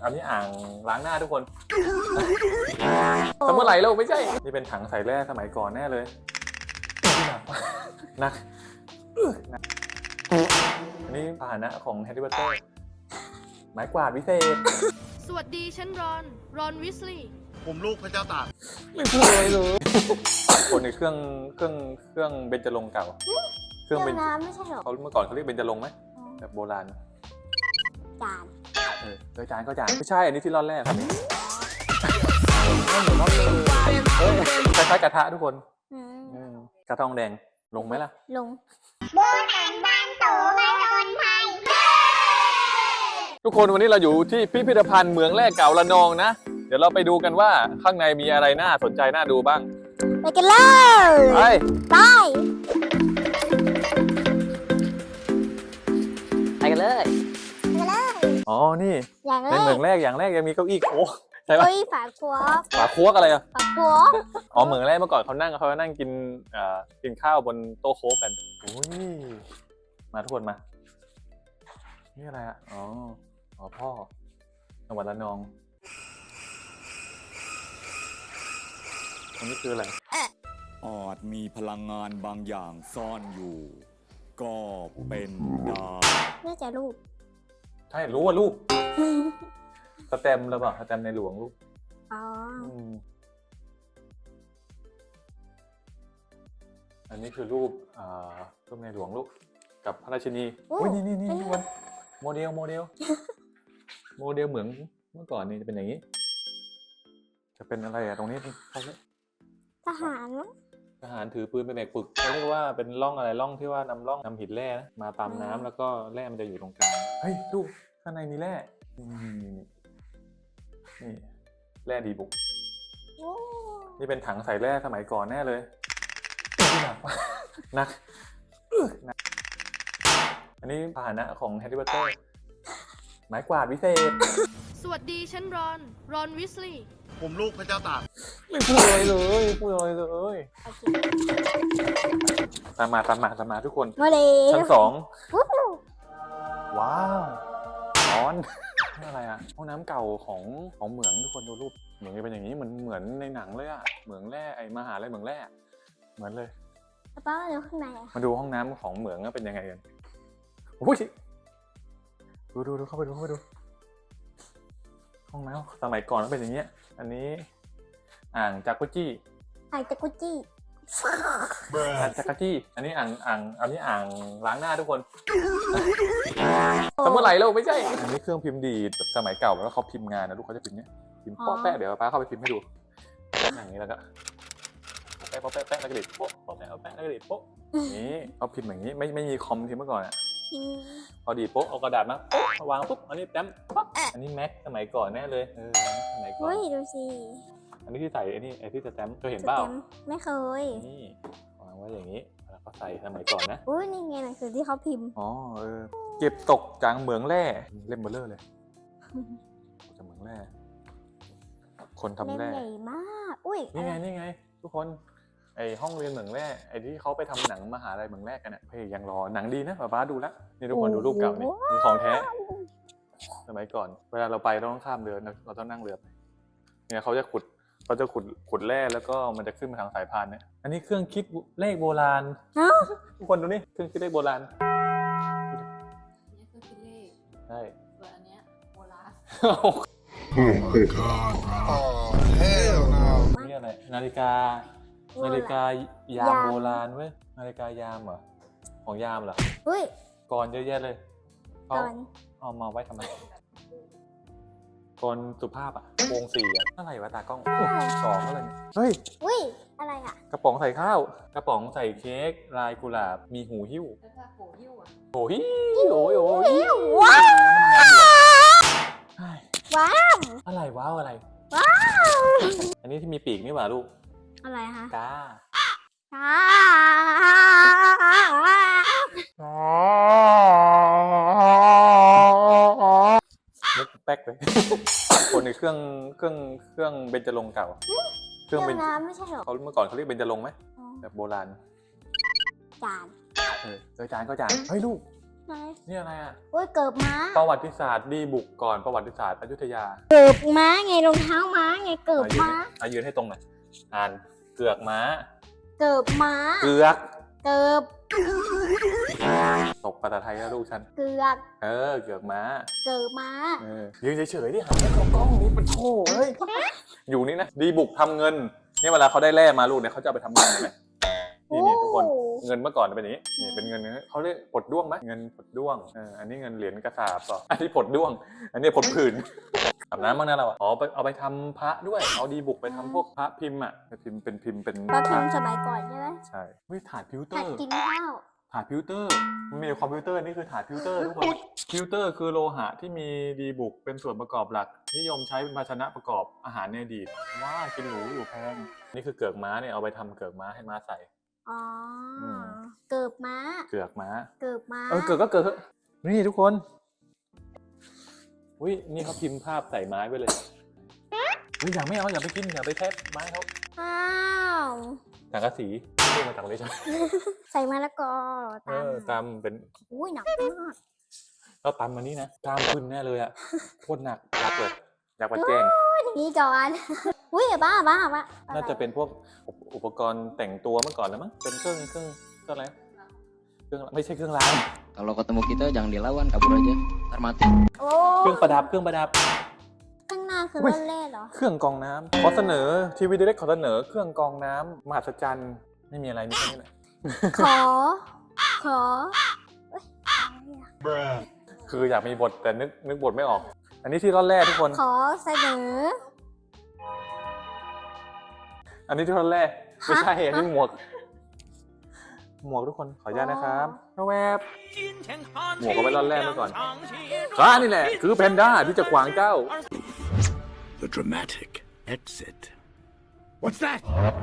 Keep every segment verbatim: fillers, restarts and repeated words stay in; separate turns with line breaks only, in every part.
อันนี้อ่างล้างหน้าทุกคนสมัยไหร่เราไม่ใช่นี่เป็นถังใส่แร่สมัยก่อนแน่เลยหนักหนักอันนี้พาหนะของแฮร์รี่พอตเตอร์ไม้กวาดวิเศษ
สวัสดีฉันรอน รอนวิสลีย์
ผมลูกพระเจ้าตาก
ไม่เคยเลยคนในเครื่องเครื่องเครื่องเบญจรงค์เก่าเครื่องเบญจน้ำไม่ใช่หรอเขาเมื่อก่อนเขาเรียกเบญจรงค์ไหมแบบโบราณ
จาน
เออโดยจานก็จานไม่ใช่อันนี้ที่ร่อนแรกครับคล้ายๆกระทะทุกคนกระทองแดงลงไหมล่ะ
ลงโบราณบ้านโตมาโดนไทย
ทุกคนวันนี้เราอยู่ที่พิพิธภัณฑ์เหมืองแร่เก่าระนองนะเดี๋ยวเราไปดูกันว่าข้างในมีอะไรน่าสนใจน่าดูบ้าง
ไปกันเลย
ไป
ไป
ไปกันเลย
ไปกันเลย
อ๋อนี่ในเหมืองแรกอย่างแรกยังมีเก้าอี้โอ้ใช่ปะ
เก้าอี้ฝาครัว
ฝาครัวอะไรอ่ะ
ฝาครัว
อ๋อเหมืองแรกเมื่อก่อนเขานั่งเขานั่งกินอ่ากินข้าวบนโต๊ะโค้กกันโอ้ยมาทุกคนมานี่อะไรอ่ะอ๋ออ๋อพ่อจังหวัดระนองอันนี้คืออะไร
อาจมีพลังงานบางอย่างซ่อนอยู่ก็เป็นได้
น่าจะรูป
ใช่รู้ว่ารูปสแตมป์แล้วเปล่าสแตมป์ในหลวงรูป
อ๋อ
อันนี้คือรูปอ่ารูปในหลวงรูปกับพระราชินีอุ้ยนี่นี่นี่ทุกคนโมเดลโมเดลโมเดลเหมืองเมื่อก่อนนี่จะเป็นอย่างนี้จะเป็นอะไรอะตรงนี้เขาเรียก
ทหาร
ทหารถือปืนไปแบกปึกเขาเรียกว่าเป็นร่องอะไรร่องที่ว่านำร่องนำหินแร่นะมาตามน้ำแล้วก็แร่มันจะอยู่ตรงกลางเฮ้ยดูข้างในมีแร่นี่นี่แร่ดีบุกนี่เป็นถังใส่แร่สมัยก่อนแน่เลยหนักหนักอันนี้พาหนะของแฮร์รี่พอตเตอร์ไม้กวาดวิเศษ
สวัสดีฉันรอน รอนวิสลีย์
ผมลูกพระเจ้าตาก
ไม่พูดเลยเลยพูดเลยเลยตามมาตามมาตามมาทุกคนชั้นสองว้าวร้อนนี่อะไรอ่ะห้องน้ำเก่าของของเหมืองทุกคนดูรูปเหมืองเป็นอย่างนี้เหมือนเหมือนในหนังเลยอ่ะเหมืองแร่ไอมหาลัยเหมืองแร่เหมือนเลย
ป้าดูข้างใน
มาดูห้องน้ำของเหมืองเป็นยังไงกันโอ้ยดูดูดูเข้าไปดูเข้าไปดูห้องน้ำสมัยก่อนมันเป็นอย่างเงี้ยอันนี้อ่างจากุจี้
อ่างจากุจี้
อ่างจากุจี้อันนี้อ่างอ่างอันนี้อ่างล้างหน้าทุกคนสมัยไหร่เราไม่ใช่อันนี้เครื่องพิมพ์ดีดแบบสมัยเก่าแล้วเขาพิมพ์งานนะลูกเขาจะพิมพ์เนี้ยพิมพ์ป๊อแปะเดี๋ยวป้าเข้าไปพิมพ์ให้ดูอย่างนี้แล้วก็แปะป๊อแปะแปะแล้วก็ดีดโป๊ะป๊อแปะแปะแล้วก็ดีดโป๊ะนี่เขาพิมพ์อย่างนี้ไม่ไม่มีคอมพิมพ์เมื่อก่อนอ่ะพอดีโป๊ะเอากระดาษมาโป๊ะวางปุ๊บอันนี้แต้มปั๊บอันนี้แม็กสมัยก่อนแน่เลยเออสมัยก่อน
เฮ้ยดูสิ
อันนี้ที่ใส่ไอ้นี่ไอ้ที่สแตมป์เคยเห็นเปล่า
ไม่เคย
นี่วางไว้อย่างนี้แล้วก็ใส่สมัยก่อนนะ
อุ้ยนี่ไงหนังสือที่เขาพิมพ์
อ๋อเออเก็บตกจากเหมืองแร่เล่มเบลเลอร์เลยจากเหมืองแร่คนทำแร่
ใหญ่มากอุ้ย
นี่ไงนี่ไงทุกคนไอห้องเรียนเหมืองแร่ไอที่เขาไปทำหนังมหาลัยเหมืองแร่กันอ่ะเฮ้ยยังรอหนังดีนะป้าป้าดูแล้วนี่ทุกคนดูรูปเก่านี่มีของแท้สมัยก่อนเวลาเราไปเราต้องข้ามเรือเราต้องนั่งเรือเนี่ยเขาจะขุดเขาจะขุดขุดแร่แล้วก็มันจะขึ้นมาทางสายพานเนี่ยอันนี้เครื่องคิดเลขโบราณทุกคนดูนี่เครื่องคิดเลขโบราณ
นี่เครื่องคิดเลข
ใช่
ส่วนอันเนี้ยโบราณ
นี่อะไรนาฬิกานาฬิกายามโบราณเว้ยนาฬิกายามเหรอของยามเหรอ
เฮ้ย
ก่อนเยอะแยะเลยเขาเอามาไว้ทำไมก่อนสุภาพอ่ะวงสี่อ่ะอะไรวะตากล้องสองอะไรเนี่ยเฮ้ย
อุ้ยอะไรอ่ะ
กระป๋องใส่ข้าวกระป๋องใส่เค้กลายกุหลาบมีหูหิ้ว
โหหิ้วอ่ะ
โหหิ้วโอ้ยโอ้ย
ว้าว
ว้าวอะไรว้าวอะไร
ว้าว
อันนี้ที่มีปีกนี่หว่าลูก
อะไรฮะ
กามุกแป๊กเลยคนในเครื่องเครื่องเครื่องเบญจรงค์เก่า
เครื่องน้ำไม่ใช่หรอ
เขาเมื่อก่อนเขาเรียกเบญจรงค์ไหมแบบโบราณ
จาน
เออจานก็จานเฮ้ยลูก
ไหน
นี่อะไรอ่ะ
โอ้ยเกิบม้า
ประวัติศาสตร์ดีบุกก่อนประวัติศาสตร์อยุธยา
เกิบม้าไงรองเท้าม้าไงเกิบ
อ่ะยืน
ม้า
ให้อ่ะยืนให้ตรงหน่อยอ่านเกือกม้า
เกิบม้า
เกือก
เกิบ
ตกภาษาไทยแล้วลูกฉัน
เกือก
เออเกือกม้า
เกิบม้า
เออยืนเฉยๆดิหันไปเข้ากล้องนี่เป็นโถเฮ้ยอยู่นี่นะดีบุกทำเงินเนี่ยเวลาเขาได้แร่มาลูกเนี่ยเขาจะเอาไปทำเงินใช่ไหมนี่นี่ทุกคน
โอ้
เงินเมื่อก่อนเป็นอย่างนี้นี่เป็นเงินเขาเรียกผดด้วงไหมเงินผดด้วงเอออันนี้เงินเหรียญกระสาบต่ออันนี้ผดด้วง อันนี้ผดผื่นอาบน้ำบ้างนะเราอ่ะอ๋อไปเอาไปทำพระด้วยเอาดีบุกไปทำพวกพระพิมพ์อ่ะพิมพ์เป็นพิมพ์เป็น
ปลาพิมพ์สมัยก่อนใช่ไหม
ใช่เฮ้ยถาดพิวเตอ
หัด
ร์
กินข้าว
ถาดพิวเตอร์มันมีในคอมพิวเตอร์นี่คือถาดพิวเตอร์ทุกคนพิวเตอร์คือโลหะที่มีดีบุกเป็นส่วนประกอบหลัก นิยมใช้เป็นภาชนะประกอบอาหารในอดีตว้ากินหรูอยู่แพงนี่คือเกือกม้าเนี่ยเอาไปทำเกือกม้าให้ม้าใส่
อ๋ออ
ม
เกิบม้า
เกือกม้า
เกิบม้า
เออเกือกก็เกือกเถอะนี่ทุกคนอุ้ยนี่เขาพิมพ์ภาพใส่ไม้ไว้เลยเฮ้ยอย่าไม่เอาอย่าไปกินอย่าไปแทะไม้เขา
อ้าว
สังกะสีเรียกมาจากเลยใช่ไหม
ใส่มะละกอ
เอ
ตาม
อตำเป็น
อุ้ยหนักมาก
เราตำมานี่นะกล้ามขึ้นแน่เลยอะโคตรหนักอยากเปิดอยากมาแจ้ง
อย่างนี้ก่อน อุ้ยบ้าบ้าบ้า
น่าจะเป็นพวกอุปอุปกรณ์แต่งตัวเมื่อก่อนแล้วมั้งเป็นเครื่องเครื่องเครื่องอะไรเครื่องไม่ใช่เครื่องราง
Kalau ketemu kita jangan dilawan, kabur aja. Ntar mati.
โอ้
เครื่องประดับเครื่องประดับ
ข้างหน้าคือ
อุ๊
ร
ย
ถเล่เหรอ
เครื่องกรองน้ำขอเสนอทีวีดีเล็กขอเสนอเครื่องกรองน้ำมหัศจรรย์ไม่มีอะไรมีแค่นี้แหละ
ขอ ขอเอ้ยอะไรอะ
คืออยากมีบทแต่นึกนึกบทไม่ออก อันนี้ที่ร่อนแรกทุกคน
ขอเสนอ
อันนี้ที่ร่อนแรกไม่ใช่
ฮะ
อันนี้หมวก หมวกทุกคนขออนุญาตนะครับแวบหมวกเอาไว้ร่อนแรกเมื่อก่อนข้านี่แหละคือแพนด้าที่จะขวางเจ้า
The dramatic exit What's that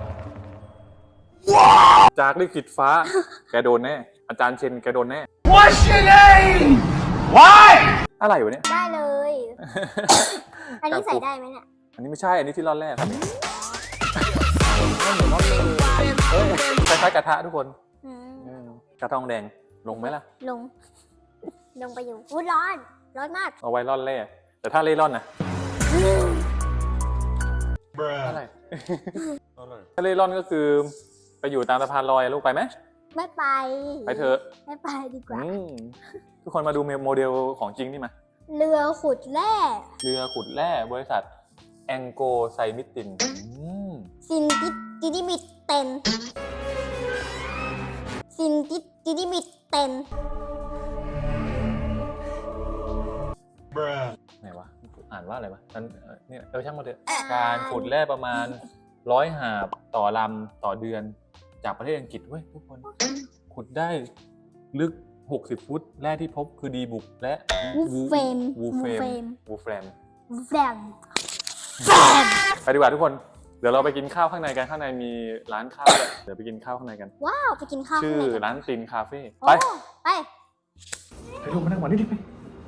จากลิขิตฟ้า แกโดนแน่ อาจารย์เชนแกโดนแน่
What's your name Why
อะไรวะเนี่ย
ได้เลย อันนี้ใส่ได้ไหมเนี่ย
อันนี้ไม่ใช่ อันนี้ที่ร่อนแรกครับไม่เหมือนร่อนเลยเอ้ยคล้ายๆกระทะทุกคน
อืม
อืมกระทองแดงลงไหมล่ะ
ลง ลงไปอยู่อุ้ยร้อน ร้อนมาก
เอาไว้ร่อนแรกแต่ถ้าเล่ร่อนนะอะไร ถ้าเล่ร่อนก็คือ ไปอยู่ตามสะพานลอยลูกไปไหม
ไม่ไป
ไปเถอะ
ไม่ไปดีกว่า
อืมทุกคนมาดูโมเดลของจริงนี่มา
เรือขุดแร่
เรือขุดแร่บริษัทแองโกไซมิตินอืม
ซินติติดิมิตเตนซินติติดิมิตเตน
ไหนวะอ่านว่าอะไรวะอันเอ่อเนี่ยเออช่างมาเถอะการขุดแร่ประมาณร้อยหาบต่อลำต่อเดือนจากประเทศอังกฤษเว้ยทุกคน ขุดได้ลึกหกสิบฟุตแร่ที่พบคือดีบุกและ
วูเฟม
วูเฟมวูเฟม
แฟม
ไปดีกว่าทุกคน เดี๋ยวเราไปกินข้าวข้างในกันข้างในมีร้านข้าวด้วยเดี๋ยวไปกินข้าวข้างในกัน
ว้าว ไปกินข้าว
ชื่อ
ข้างในกัน
ร้านตินคาเฟ่
โอ้
ไป
ไป
ไปดูมานั่งหวานนิดนึง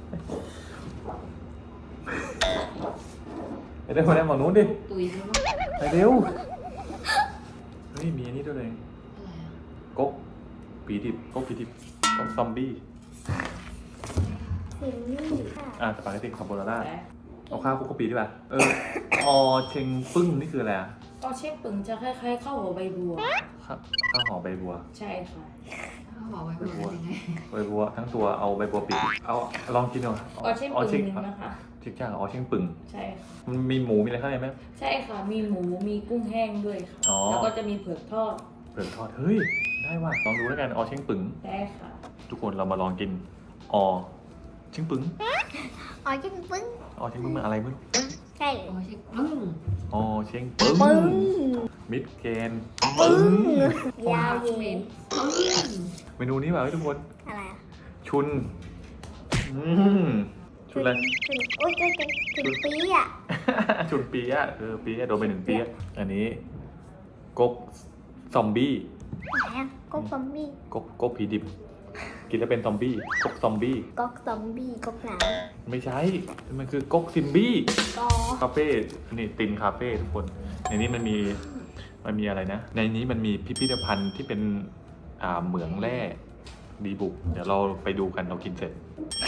ไปไปเดินมานั่งหวานนู้นดิ
ตุยใช่ไหม
ไปเร็วเฮ้ยมีอันนี้ด้วยเลย
อะไรอ่ะ
ก๊กปีดิบก๊กปีดิบก๊กซอมบี้
ถึงนี่ค่ะ
อ่ะสปาเกตตี้คาโบนาร่าเอาข้าวคลุกกะปิดีป่ะเออออเชงปึ้งนี่คืออะไรอ่ะ
ก็เช็คปึงจะคล้ายๆข้าวหัวใบบัว
ข้าวข้าวห่อใบบัว
ใช่ค่ะ
เขาบอกไว้เป็นยังไง
ใบบัวทั้งตัวเอาใบบัวปิดเอาลองกินหน่อย
ก็เช็คปึง
เชง
หนึงนะคะ
เชงจ้างอ๋อเชงปึ้ง
ใช่ค่ะ
มันมีหมูมีอะไรข้างในไหม
ใช่ค่ะ มีหมู มีกุ้งแห้งด้วยค่ะ
อ๋อ
แล้วก็จะมีเผือกทอด
เปลือกทอดเฮ้ยได้ว่ะลองดูแล้วกันอ๋อเชงปึ้ง
ได้ค่ะ
ทุกคนเรามาลองกินอ๋อเชงปึ้ง
อ๋อจิ้มปึ้ง
อ๋อเชงปึ้งมันอะไรไม่รู้
ใช่
โอ้ยชิปึ้ง
อ๋อเชงปึ้ง
ปึ้ง
มิดเกน
ปึ้ง
ยาย
าว ว
เย็
เย็
น
น
เมนูนี้แบบทุกคน
อะไรอะ
ชุนอืมชุนอะไร
ถึงโอ้ยถึงถึงถึงปีอ่ะ
ชุนปีอะเออปีอะโดนไปหนึ่งปีอะอันนี้ก๊กซอมบี้
ไหนอ่ะก๊อกซอมบี้
ก๊กก๊กผีดิบ กินแล้วเป็นซอมบี้ก๊กซอมบี้
ก๊อกซอมบี้ก๊อกหนาว
ไม่ใช่ มันคือก๊กซิมบี้
ก็
คาเฟ่อันนี้ตินคาเฟ่ทุกคน ในนี้มันมีมันมีอะไรนะ ในนี้มันมีพิพิธภัณฑ์ที่เป็นอ่าเหมืองแร่ดีบุก เดี๋ยวเราไปดูกันเรากินเสร็จ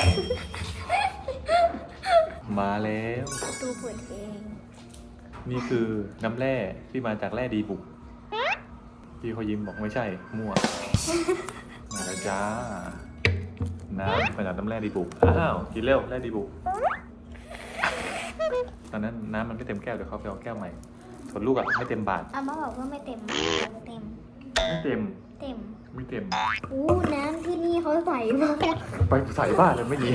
มาแล้ว
ดูเปิดเอง
นี่คือน้ำแร่ที่มาจากแร่ดีบุก พี่เขายิ้มบอกไม่ใช่ มั่ว มาแล้วจ้า น้ำมาจากน้ำแร่ดีบุก อ้าว กินเร็วแร่ดีบุก ตอนนั้นน้ำมันไม่เต็มแก้วเดี๋ยวเขาไปเอาแก้วใหม่ ส่วนลูกอะไม่เต็มบาท
อาม่าบอกว่าไม่เต็มเต็ม
ไม่เต็ม
เต็ม
ไม่เต็ม
อู้น้ำที่นี่เขาใส่มาก
ไปใส่บ้านเลยไม่ดี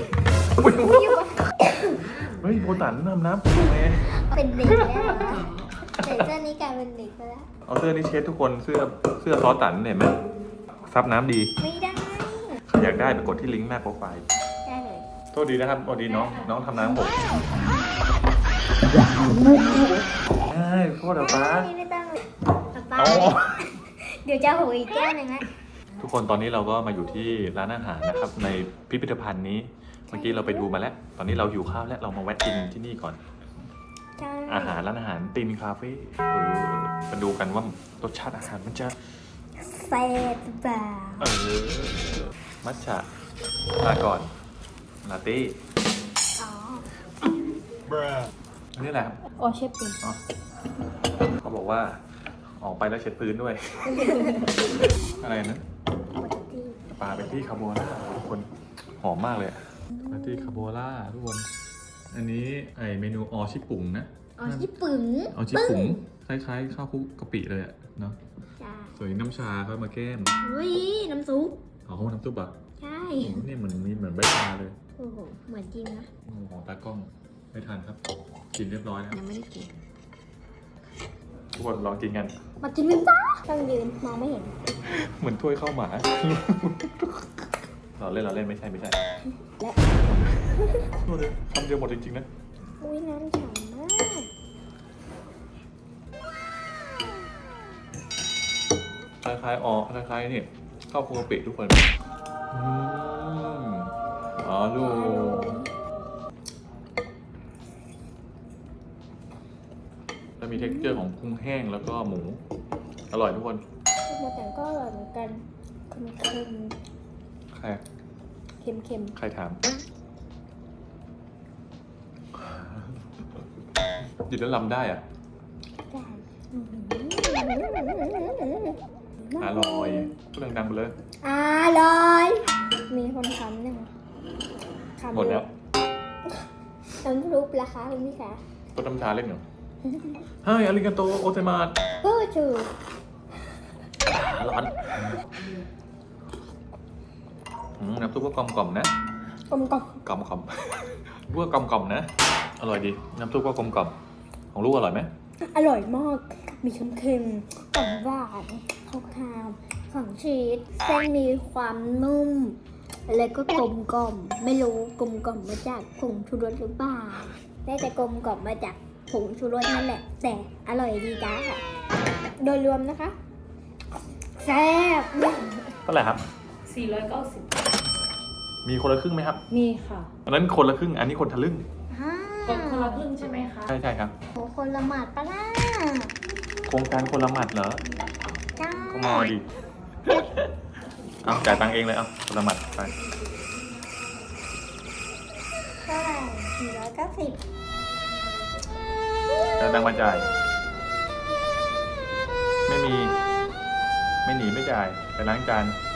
เฮ้ยโบตันน้ำน้ำแม่
เป็นเด็กแล้วนะใส่เสื้อนี้กลายเป็นเด็กไปแล้ว
เอาเสื้อนี้เช็ดทุกคนเสื้อเสื้อซอสตันเห็นไหมซับน้ำดี
ไม่ได้
ใครอยากได้ไปกดที่ลิงก์หน้าโปรไฟล์
ได้เลย
โทษดีนะครับโทษดีน้องน้องทำน้ำหกใช่โทษเดี๋ยวป้า
นี่ไม่ต้องเลยป้า
เอา
เดี๋ยวจะโหยอีกแก้วหนึ่งนะ
ทุกคนตอนนี้เราก็มาอยู่ที่ร้านอาหารนะครับ ในพิพิธภัณฑ์นี้เมื่อกี้เราไปดูมาแล้ว ตอนนี้เราหิวข้าวแล้วเรามาแวะกินที่นี่ก่อน
ใช่
อาหารร้านอาหารตีนคาเฟ่เออมาดูกันว่ารสชาติอาหารมันจะ
แซ่บเปล่า
เออมัทฉะลาก่อนลาเต้
อ๋อ
อันนี้แหละครับ
อ๋อเชฟเป็น
อ๋อเขาบอกว่าออกไปแล้วเช็ดพื้นด้วย อะไรนะ
ปกติ
ปลาเป็นที่คาโบล่าทุกคนหอมมากเลยเป็นที่คาโบล่าทุกคน อันนี้ไอเมนูออชิปุ่งนะ
อ๋อญี่ปุ่น
ออชิปุ่งคล้ายๆข้าวคลุกกะปิเลยอะเนาะ
จ้า
ส่วนน้ำชาเขามาแก้ม
เฮ้ยน้ำซุป
อ๋อน้ำซุปอ่ะ
ใช่
โอ้โหนี่เหมือนมีเหมือนใบชาเลย
โอ้โหเหมือนจริงนะ
โอ้โหของตากล้องไม่ทันครับ กินเรียบร้อยแล้ว
ยังไม่ได้กิน
ทุกคนลองกินกัน
มากินกันจ้าต้องยืนมองไม่เห็น
เหมือนถ้วยข้าวหมา เราเล่นเราเล่นไม่ใช่ไม่ใช่
และ
ดูดิคำเดียวหมดจริงๆนะ
อุ้ยน้ำฉ่ำมาก
คล้ายๆอ๋อคล้ายๆนี่ข้าวคลุกกะปิทุกคนอืมอ๋อลูกจะมี texture ของกุ้งแห้งแล้วก็หมู อร่อยทุกคน
โมแต่ก็อร่อยเหมือนกันเค็มเค็ม
ใคร
เค็มเค็ม
ใครถามดิดแล้วลำได้อ่ะ
ๆจ้า
อร่อยพูดดังๆไปเลย
อร่อย มีคนทำหนึ่งคำ
หมดแล้ว
น้ำซุปราคาคุณพี่คะ
ก็น้ำชาเล่นเหรอเฮ้ยอาริกาโตโอเซมาส
เฮ้ยจู
ร้อนอืมน้ำซุปก็กลมกล่อมๆนะ
กลมกล่อม
กลมกล่อมๆพวกกลมกล่อมๆนะ อร่อยดี น้ำซุปก็กลมกล่อมของลูกอร่อยไหม
อร่อยมาก มีเค็มเค็มๆหวานหวานๆคาวๆของชีสเส้นมีความนุ่ม แล้วก็กลมกล่อม ไม่รู้กลมกล่อมมาจากผงชูรสหรือเปล่าได้แต่กลมกล่อมมาจากผงชูรสนั่นแหละ แต่อร่อยดีจ้าค่ะ โดยรวมนะคะแซ่บ
เท่าไหร่ครับ
สี่ร้อยเก้าสิบ
มีคนละครึ่งไหมครับ
มีค่ะ
อันนั้นคนละครึ่ง อันนี้คนทะลึ่ง
ฮ่าก
ดคนละครึ่งใช่ไหมคะ
ใช่ใช่ครับ
โหคนละหมาดปะล่ะ
โครงการคนละหมัดเหรอ
จ้า
ก็มาดิ เอาจ่ายตังค์เองเลยเอาคนละหมัดไป
เท่าไหร่สี่ร้อยเก้าสิบ
แล้วตังค์มาจ่าย ไม่มี ไม่หนีไม่จ่าย ไปล้างจาน